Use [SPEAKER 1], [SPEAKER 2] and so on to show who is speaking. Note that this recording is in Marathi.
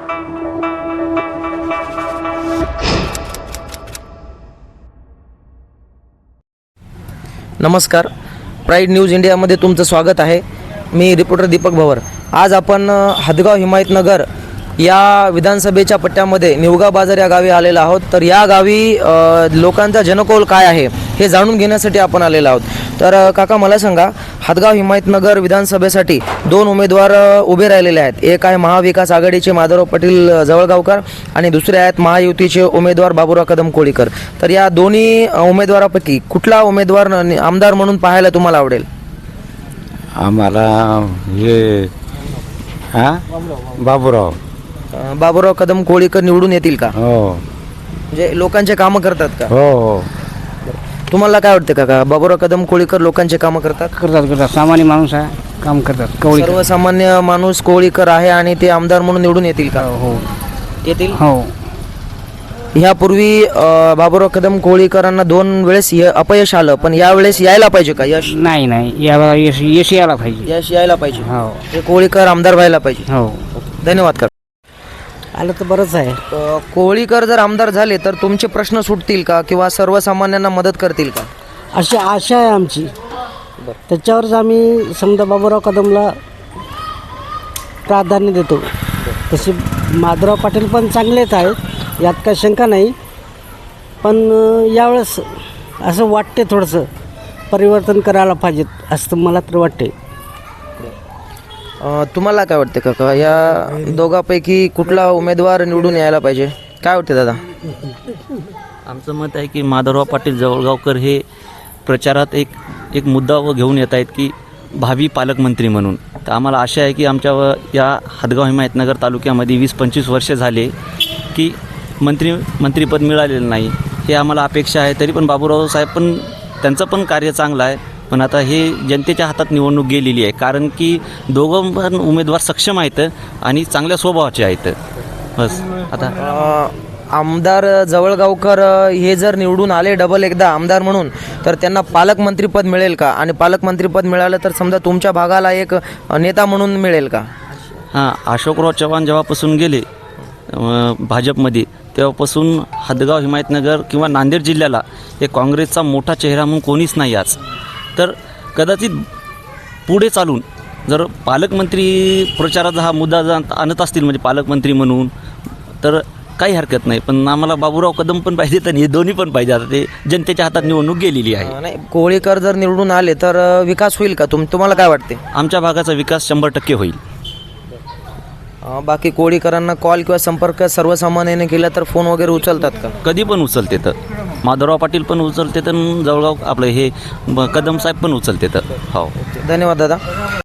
[SPEAKER 1] नमस्कार, प्राईड न्यूज इंडियामध्ये तुमचं स्वागत आहे. मी रिपोर्टर दीपक भवर. आज आपण हदगाव हिमायतनगर या विधानसभेच्या पट्ट्यामध्ये निवगा बाजार या गावी आलेलो आहोत. तर या गावी लोकांचा जनकौल काय आहे हे जाणून घेण्यासाठी आपण आलेलो आहोत. तर काका मला सांगा, हदगाव हिमायतनगर विधानसभेसाठी दोन उमेदवार उभे राहिलेले आहेत. एक आहे महाविकास आघाडीचे माधवराव पाटील जवळगावकर आणि दुसरे आहेत महायुतीचे उमेदवार बाबुराव कदम कोळीकर. तर या दोन्ही उमेदवारापैकी कुठला उमेदवार आमदार म्हणून पाहायला तुम्हाला आवडेल?
[SPEAKER 2] आम्हाला हे
[SPEAKER 1] बाबुराव कदम कोळीकर निवडून येतील का?
[SPEAKER 2] हो
[SPEAKER 1] म्हणजे लोकांचे कामं करतात का?
[SPEAKER 2] हो
[SPEAKER 1] तुम्हाला काय वाटतं काका, बाबुराव कदम कोळीकर लोकांचे कामं करतात?
[SPEAKER 3] करतात सामान्य माणूस आहे, काम करतात.
[SPEAKER 1] सर्वसामान्य माणूस कोळीकर आहे आणि ते आमदार म्हणून निवडून येतील का?
[SPEAKER 3] हो
[SPEAKER 1] येतील.
[SPEAKER 3] हो
[SPEAKER 1] ह्यापूर्वी बाबुराव कदम कोळीकरांना 2 वेळेस अपयश आलं, पण यावेळेस यायला पाहिजे का यश?
[SPEAKER 3] नाही याला यश यायला पाहिजे.
[SPEAKER 1] यश यायला पाहिजे.
[SPEAKER 3] हो
[SPEAKER 1] हे कोळीकर आमदार व्हायला पाहिजे.
[SPEAKER 3] हो
[SPEAKER 1] धन्यवाद काका.
[SPEAKER 3] आलं तर बरंच आहे.
[SPEAKER 1] कोळीकर जर आमदार झाले तर तुमचे प्रश्न सुटतील का किंवा सर्वसामान्यांना मदत करतील का?
[SPEAKER 3] अशी आशा आहे आमची. त्याच्यावरच आम्ही समजा बाबुराव कदमला प्राधान्य देतो. तसे माधवराव पाटील पण चांगलेच आहेत, यात काही शंका नाही. पण यावेळेस असं वाटते थोडंसं परिवर्तन करायला पाहिजेत असं मला तर वाटते.
[SPEAKER 1] तुम्हाला काय वाटते काका, या दोघांपैकी कुठला उमेदवार निवडून यायला पाहिजे? काय वाटते दादा?
[SPEAKER 4] आमचं मत आहे की माधवराव पाटील जवळगावकर हे प्रचारात एक मुद्दा घेऊन येत आहेत की भावी पालकमंत्री म्हणून. तर आम्हाला आशा आहे की आमच्या या हदगाव हिमायतनगर तालुक्यामध्ये 20-25 वर्षे झाले की मंत्रिपद मिळालेलं नाही. हे आम्हाला अपेक्षा आहे. तरी पण बाबुराव साहेब पण त्यांचं पण कार्य चांगलं आहे. पण आता हे जनतेच्या हातात निवडणूक गेलेली आहे, कारण की दोघं पण उमेदवार सक्षम आहेत आणि चांगल्या स्वभावाचे आहेत. बस आता
[SPEAKER 1] आमदार जवळगावकर हे जर निवडून आले डबल एकदा आमदार म्हणून, तर त्यांना पालकमंत्रीपद मिळेल का? आणि पालकमंत्रीपद मिळालं तर समजा तुमच्या भागाला एक नेता म्हणून मिळेल का?
[SPEAKER 4] हां, अशोकराव चव्हाण जेव्हापासून गेले भाजपमध्ये, तेव्हापासून हदगाव हिमायतनगर किंवा नांदेड जिल्ह्याला एक काँग्रेसचा मोठा चेहरा म्हणून कोणीच नाही आज. तर कदाचित पुढे चालून जर पालकमंत्री प्रचाराचा हा मुद्दा जर आणत असतील म्हणजे पालकमंत्री म्हणून, तर काही हरकत नाही. पण आम्हाला बाबुराव कदम पण पाहिजे आणि हे दोन्ही पण पाहिजे. आता ते जनतेच्या हातात निवडणूक गेलेली आहे.
[SPEAKER 1] नाही, कोळीकर जर निवडून आले तर विकास होईल का? तुम्हाला काय वाटते?
[SPEAKER 4] आमच्या भागाचा विकास 100% होईल.
[SPEAKER 1] बाकी कोळीकरांना कॉल किंवा संपर्क सर्वसामान्याने केला तर फोन वगैरे उचलतात का?
[SPEAKER 4] कधी पण उचलते. तर माधवराव पाटील पण उचलते, तर जवळगाव आपलं हे कदम साहेब पण उचलते. तर हो.
[SPEAKER 1] धन्यवाद दादा.